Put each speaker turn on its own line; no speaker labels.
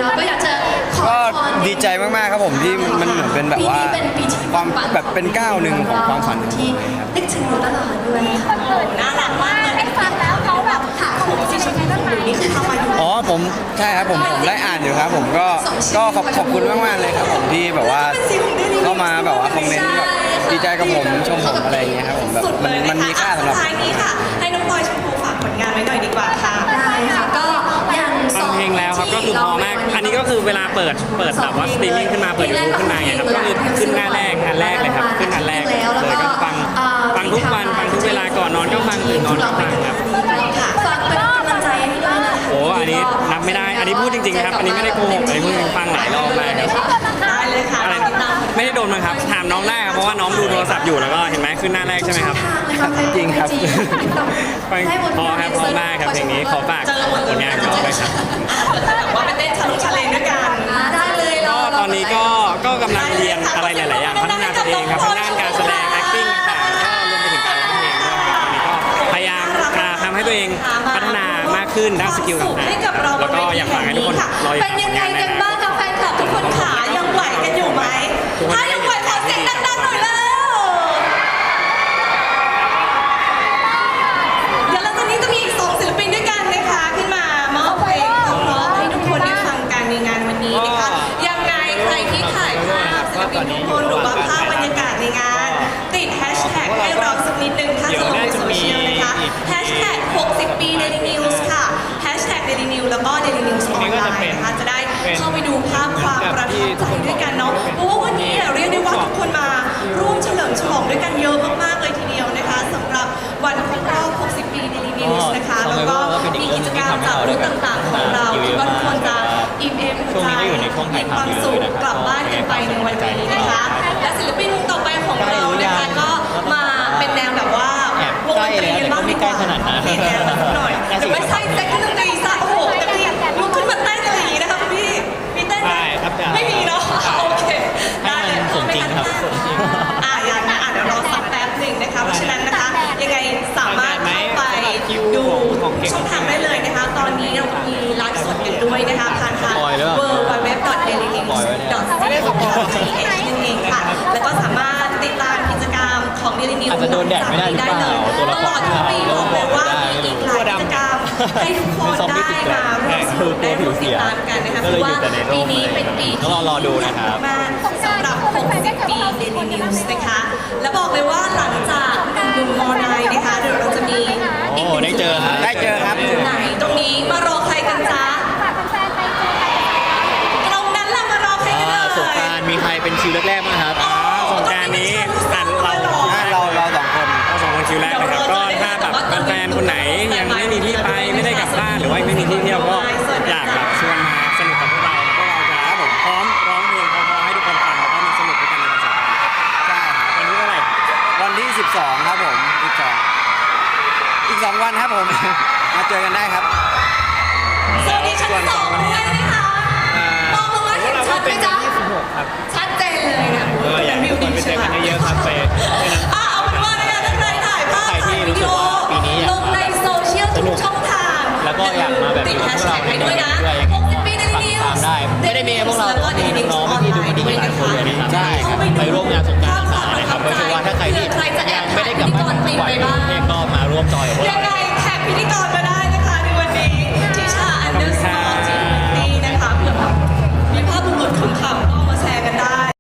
ก็อยากจะขอ
ก็
พร
ดีใจมากๆครับผมที่มันเหมือนเป็นแบบว่า
ปีนี้เป็นปีที่
ความแบบเป็นก้าวหนึ่งของความฝันของผม
ที่
เลยครับ
นึกถึงอยู่ตลอดด้วยค่ะ
น่ารักมากเลยได้ฟังแล้วเขาแบบถามผมสิฉันได้ไหมนี่คือทำมาอยู่
อ๋อผมใช่ครับผมได้อ่านอยู่ครับผมก็ขอบคุณมากๆเลยครับผมที่แบบว่าเข้ามาแบบว่าคอมเมนต์แบบดีใจกับผมชมผมอะไรอย่างเงี้ยครับผมแบบ
สุดเลย
มันมีค่าสำหรับ
ท้ายนี้ค่ะ ให้น้องพลอยชมพูฝากผลงานไว้หน่อยดีกว่าค่ะ
ได้ค่ะก็อย่างส
ฟั
อง ง
เพลงแล้วครับก็คือพอมาก อันนี้ก็คือเวลาเปิดแบบว่าสตรีมมิ่งขึ้นมาเปิดยูทูบขึ้นมาไงครับก็คือขึ้นหน้าแรกอันแรกเลยครับขึ้นอันแรกเลยก็ฟังทุกวันฟังทุกเวลาก่อนนอนก็ฟังตื่นนอนก็ฟังครับ
ฝากเป็นกำลังใจให้ด้วยนะคะ
โอ้อันนี้นับไม่ได้ อันนี้พูดจริงๆนะครับ อันนี้ไม่ได้โกหกอันนี้พูดจริงๆฟังหลายรอบมากครับ
ได้เลยค่ะ
อะไร
ติดตาม
ไม่ได้โดนมั้งครับถามน้องได้ครับเพราะว่าน้องดูโทรศัพท์อยู่แล้วก็เห็นไหมขึ้นหน้าแรกใช่ไหมครับ
จริงครับ
พอครับพอมากครับเพลงนี้ขอฝากผลงานของเราด้วยครับ
แบบว่าไปเต้นชาเลนจ์ด้วยกัน
ได้เลยเรา
ก็ตอนนี้ก็กำลังเรียนอะไรหลายๆอย่างพัฒนาตัวเองครับทางด้านการแสดง acting ต่างๆก็รวมไปถึงการร้องเพลงด้วยครับตอนนี้ก็พยายามทำให้ตัวเองพัฒนามากขึ้นด้านสกิลต่าง
ให้กับเรา
ๆแล้วก็อยากฝากให้ทุกคนรออยู่
เป็นยังไงกันบ้างกับแฟนคลับทุกคนขายังไหวกันอยู่ไหมถ้ายังไหวขอเสียงดังๆหน่อยแล้วเดี๋ยวหลังจากนี้จะมีอีก2ศิลปินด้วยกันนะคะขึ้นมามอบเพลงเพราะๆให้ทุกคนได้ฟังกันในงานวันนี้นะคะยังไงใครที่ถ่ายภาพศิลปินทุกคนหรือว่าภาพบรรยากาศในงาน ติดแฮชแท็กให้เราสักนิดนึงถ้าจะลงในโซเชียลนะคะแฮชแท็ก60 ปี Daily News ค่ะแฮชแท็ก Daily News แล้วก็ Daily News ออนไลน์นะคะจะได้เข้าไปดูภาพความประทับใจด้วยกันเนาะเพราะว่าวันนี้เรียกได้ว่าทุกคนมาร่วมเฉลิมฉลองด้วยกันเยอะมากๆเลยทีเดียวนะคะสำหรับวันครบรอบ 60 ปี Daily News นะคะแล้วก็มีกิจกรรมจากรุ่นต่างๆของเราที่ว่าทุกคนจะอิ่มเอมใจมีความสุขกลับบ้านกันไปในวันนี้นะคะและศิลปินวงต่อไปของเรานะคะก็มาเป็นแนวแบบว่าวงดนตรีกันบ้างดีกว่ามีแนวสักหน่อยแต่ไม่ใช่แจ็คดนตรีซะโอ้โหแต่พี่ลุกขึ้นมาเต้นอะไรอย่างนี้นะคะคุณพี่มีเต้นไหมไม่มีเนาะโอเคได้เลย
สมจริงครับสมจริง
อย่างนั้นเดี๋ยวรอสักแป๊บหนึ่งนะคะเพราะฉะนั้นนะคะยังไงสามารถเข้าไปดูช่องทางได้เลยนะคะตอนนี้เรามีไลฟ์สดกันด้วยนะคะผ่านทาง www.dailynews.co.th นั่นเองค่ะแล้วก็สามารถติดตามกิจกรรมของ Daily News
อาจจะโดนแดดไม่ได้หรือเปล่าตัวละคร
ตลอดทั้งปีบอกเลยว่ามีอีกหลายกิจกรรมให้ทุกคนได้มาร่วมสนุกได้ร่วมติดตามกันนะคะเพราะว่าปีนี้เป็นปีที่
ต้องรอดูนะครับ
มากสำหรับ 60 ปี Daily News นะคะ และบอกเลยว่าหลังจากหนุ่มมอนายนะคะเดี๋ยวเราจะมีอีกหนึ่ง
ได้เจอครับ
ได้เจอครับ
ไหนตรงนี้มารอใครกันจ๊ะตรงนั้นล่ะมารอใครกันเลย
สงกรานต์มีใครเป็นคิวแรกๆบ้างครับ
สงกรานต์นี้
เราสองคน
เราสองคนคิวแรกนะครับก็ถ้าแบบแฟนๆคนไหนยังไม่มีที่ไปไม่ได้กลับบ้านหรือว่าไม่มีที่เที่ยวก็อยากแบบชวนมาสนุกกับพวกเราแล้วพวกเราจะพร้อมร้องเพลงเพราะๆให้ทุกคนฟังแล้วก็มาสนุกด้วยกันในวันสงกรานต์ครับ
ใช่ครับ
วันนี้เท่าไหร่
วันที่ 12 ครับผม12อีก 2 วันครับผม มาเจอกันได้ครับ
สวัสดีชั้นสองด้วยนะคะมองลงมาเห็นชัดไหมจ๊ะ
26 ครับ
ชัดเจนเลยนะ
อยากให้ทุกคนไปเจอกันเยอะๆครับไป
เอาเป็นว่านะคะถ้าใครถ่ายภาพ
ใครที่
ถ่ายวิ
รู้สึ
ดี
ก
โอ
ว่าปีนี้อยาก
ลงในโซเชียลทุกช่องทาง
แล้วก็อยากมาแบบ
ติดแฮชแท็กไปด้วยนะ